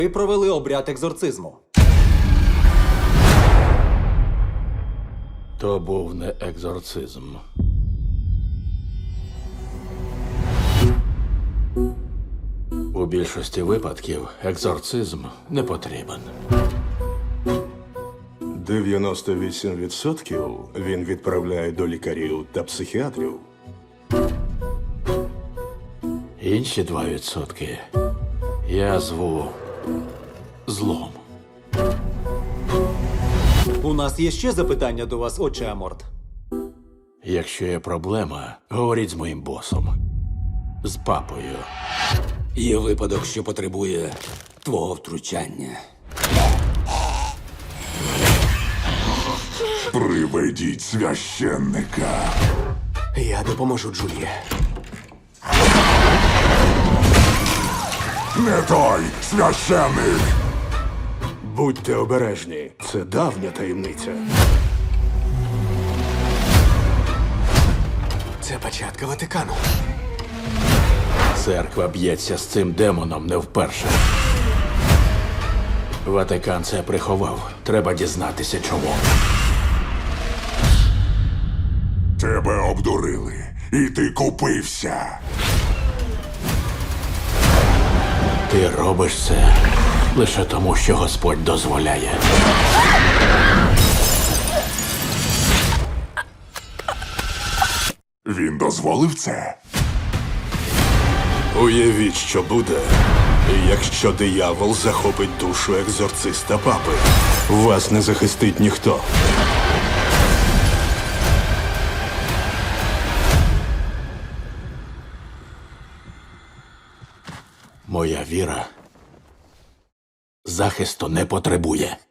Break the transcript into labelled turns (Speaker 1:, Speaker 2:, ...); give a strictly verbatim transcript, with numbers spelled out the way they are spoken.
Speaker 1: Ви провели обряд екзорцизму.
Speaker 2: То був не екзорцизм. У більшості випадків екзорцизм не потрібен.
Speaker 3: дев'яносто вісім відсотків він відправляє до лікарів та психіатрів.
Speaker 2: Інші два відсотки я зву злом.
Speaker 1: У нас є ще запитання до вас, отче Аморт.
Speaker 2: Якщо є проблема, говоріть з моїм босом. З папою.
Speaker 4: Є випадок, що потребує твого втручання.
Speaker 5: Приведіть священника.
Speaker 4: Я допоможу Джулії.
Speaker 5: Не той священник.
Speaker 3: Будьте обережні, це давня таємниця.
Speaker 4: Це початка Ватикану.
Speaker 2: Церква б'ється з цим демоном не вперше. Ватикан це приховав. Треба дізнатися, чому.
Speaker 5: Тебе обдурили, і ти купився.
Speaker 2: Ти робиш це лише тому, що Господь дозволяє.
Speaker 5: Він дозволив це.
Speaker 3: Уявіть, що буде, якщо диявол захопить душу екзорциста папи. Вас не захистить ніхто.
Speaker 2: Моя віра захисту не потребує.